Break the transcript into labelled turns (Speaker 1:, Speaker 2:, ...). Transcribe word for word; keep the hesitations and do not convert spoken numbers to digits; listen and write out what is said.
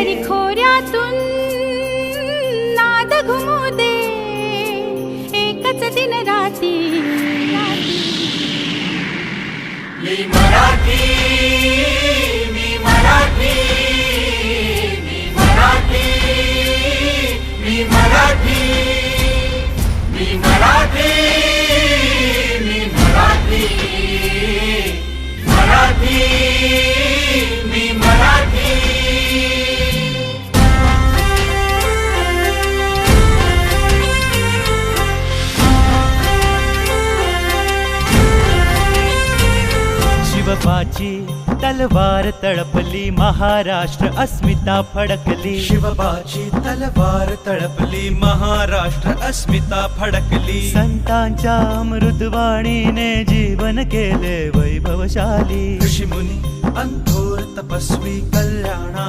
Speaker 1: दरी खोऱ्यातून नाद घुमू दे एकच दिन राती.
Speaker 2: मी मराठी, मी मराठी, मी मराठी, मी मराठी, मी मराठी, मी मराठी, मराठी, मी मराठी.
Speaker 3: शिवबाची तलवार तळपली, महाराष्ट्र अस्मिता फडकली.
Speaker 4: शिवबाची तलवार तळपली, महाराष्ट्र अस्मिता फडकली.
Speaker 3: संतांच्या अमृतवाणीने जीवन केले वैभवशाली.
Speaker 4: ऋषीमुनी अंथोर तपस्वी कल्याणा